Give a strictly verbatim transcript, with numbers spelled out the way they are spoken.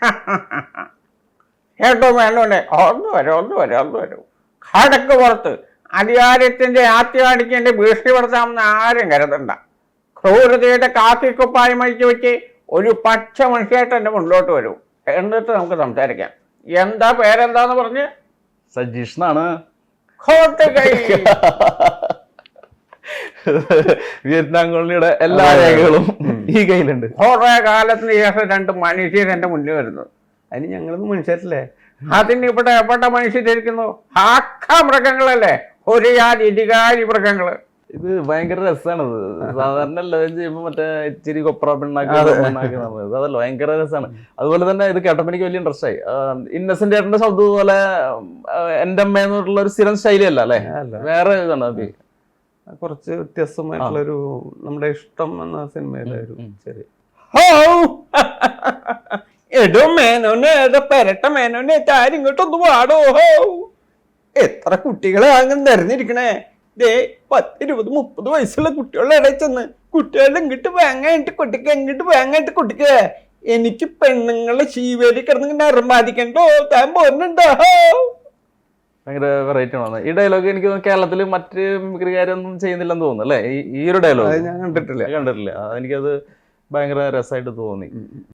കേട്ടോ വേണ്ടോണ്ടേ ഒന്ന് വരും ഒന്ന് വരും ഒന്ന് വരും കടക്ക് പുറത്ത് അധികാരത്തിന്റെ ആത്യാടിക്കേണ്ട ഭീഷണിപ്പെടുത്താമെന്ന് ആരും കരുതണ്ട. ക്രൂരതയുടെ കാക്കിക്കുപ്പായി മഴിച്ചു വെച്ച് ഒരു പച്ച മനുഷ്യമായിട്ട് എന്നെ മുന്നോട്ട് വരൂ, എന്നിട്ട് നമുക്ക് സംസാരിക്കാം. എന്താ പേരെന്താന്ന് പറഞ്ഞ്? സജീഷ് എന്നാണ്. വിയറ്റ്നാം കോളനിയുടെ എല്ലാ രേഖകളും ഈ കയ്യിലുണ്ട്. കുറെ കാലത്തിന് ശേഷം രണ്ട് മനുഷ്യർ എന്റെ മുന്നിൽ വരുന്നു. അതിന് ഞങ്ങളൊന്നും മനുഷ്യരല്ലേ? അതിന് ഇവിടെ എവിടെ മനുഷ്യരിക്കുന്നു? ആക്ക മൃഗങ്ങളല്ലേ, ഒരു ജാതി ഇടികാരി മൃഗങ്ങള്. ഇത് ഭയങ്കര രസമാണത്. സാധാരണ എല്ലാവരും ചെയ്യുമ്പോൾ മറ്റേ ഇച്ചിരി കൊപ്ര പിണ്ണാക്കി അതല്ല, ഭയങ്കര രസമാണ്. അതുപോലെ തന്നെ ഇത് കേട്ടപ്പോൾ എനിക്ക് വലിയ ഇൻട്രസ്റ്റ് ആയി. ഇന്നസെന്റ് ചേട്ടന്റെ ശബ്ദം പോലെ എന്റെ അമ്മ എന്നുള്ള ഒരു സ്ഥിരം ശൈലിയല്ല അല്ലേ, വേറെ ഇതാണ് അത്. കുറച്ച് വ്യത്യസ്തമായിട്ടുള്ളൊരു നമ്മുടെ ഇഷ്ടം എന്ന സിനിമയിലൊരു ശരി. എടോ മേനോനെ, പെരട്ട മേനോനെ, താരം ഇങ്ങോട്ടൊന്ന് പാടോ. എത്ര കുട്ടികളെ അങ്ങനെ നിരന്നിരിക്കണേ. ദേ പത്തിരുപത് മുപ്പത് വയസ്സുള്ള കുട്ടികളുടെ ഇടയിൽ ചെന്ന് കുട്ടികളുടെ ഇങ്ങോട്ട് വേങ്ങായിട്ട് കൊട്ടിക്ക, ഇങ്ങോട്ട് വേങ്ങായിട്ട് കൊട്ടിക്ക. എനിക്ക് പെണ്ണുങ്ങളെ ശീവേലി കിടന്നിങ്ങനെ അറുമാദിക്കണ്ടോ, താൻ പോരുന്നുണ്ടോ? ഭയങ്കര വെറൈറ്റി ആണ് ഈ ഡയലോഗ്. എനിക്ക് കേരളത്തിൽ മറ്റ് മിമിക്രിക്കാരൊന്നും ചെയ്യുന്നില്ലെന്ന് തോന്നുന്നു അല്ലേ ഈ ഒരു ഡയലോഗ്? ഞാൻ കണ്ടിട്ടില്ല കണ്ടിട്ടില്ല എനിക്കത് ഭയങ്കര രസമായിട്ട് തോന്നി.